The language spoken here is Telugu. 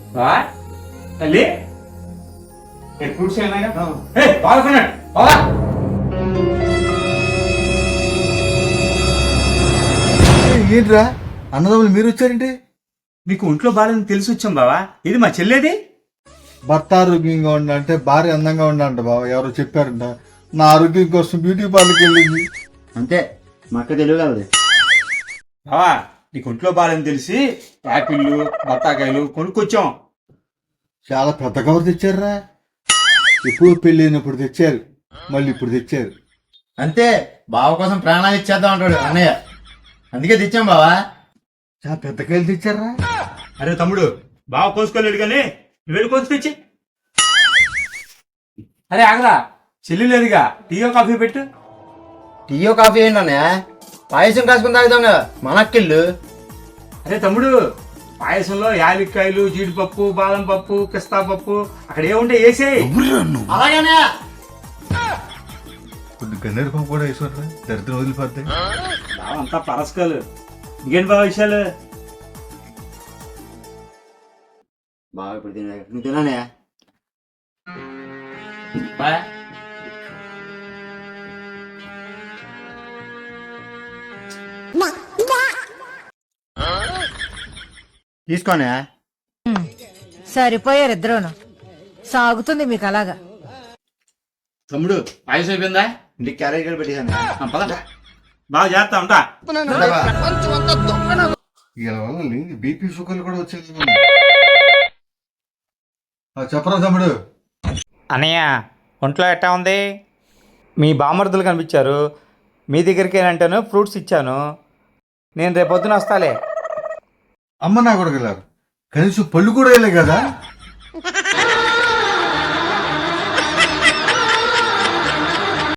బావా తల్లి ఫ్రూట్స్ ఏమైనా బాగున్నాడు బావా. ఏంట్రా అన్నదమ్ములు మీరు వచ్చారంటే? మీకు ఒంట్లో బాగాలని తెలిసి వచ్చాం బావా. ఇది మా చెల్లేది. భర్త ఆరోగ్యంగా ఉండంటే భార్య అందంగా ఉండంట బావ, ఎవరో చెప్పారంట. నా ఆరోగ్యం కోసం బ్యూటీ పార్లర్కి వెళ్ళింది. అంతే మా అక్క తెలియగలదు. బావా నీకు ఒంట్లో బాగాలని తెలిసి యాపిళ్ళు బత్తాకాయలు కొనుక్కొచ్చాం. చాలా పెద్ద కవర్ తెచ్చారా? ఎప్పుడు పెళ్ళి అయినప్పుడు తెచ్చారు, మళ్ళీ ఇప్పుడు తెచ్చారు. అంతే బావ కోసం ప్రాణాలు ఇచ్చేద్దాం అంటాడు అన్నయ్య, అందుకే తెచ్చాం బావా. చాలా పెద్ద కాయలు తెచ్చారా? అరే తమ్ముడు బావ కోసుకోలేడు కానీ నువ్వు వెళ్ళి కోసి తెచ్చి. అరే ఆగరా, చెల్లి లేదుగా, టీయో కాఫీ పెట్టు. టీయో కాఫీ ఏంటి అన్నయ్య? పాయసం కాసుకుని తాగుతాం కదా మన అక్కిళ్ళు. అరే తమ్ముడు, పాయసంలో యాలక్కాయలు జీడిపప్పు బాదం పప్పు పిస్తా పప్పు అక్కడ ఏముంటే వేసేయి. అలాగనే కొన్ని గన్నేరు పంపు కూడా వేసుకోరా, దరిద్రం వదిలిపోద్ది. బావ అంతా పరస్కాలు. ఇంకేంటి బావ విషయాలు? బాగా ఇప్పుడు తినే నువ్వు తిననే. తీసుకోనే. సరిపోయారు ఇద్దరును. సాగుతుంది మీకు అలాగా. తమ్ముడు పాయసం అయిపోయిందా? ఇంటికి క్యారేజ్ కూడా పెట్టేశాను. పద బాగా చేస్తా ఉంటా. ఇలా వల్ల లేని బీపీ షుగర్లు కూడా వచ్చేది. చెప్పరా తమ్ముడు? అన్నయ్య ఒంట్లో ఎట్టా ఉంది? మీ బామర్దులు కనిపించారు, మీ దగ్గరికి ఏంటంటాను ఫ్రూట్స్ ఇచ్చాను. నేను రేపొద్దున వస్తాలే. అమ్మ నా కొడుకు వెళ్ళారు, కనీసం పళ్ళు కూడా వెళ్ళే కదా.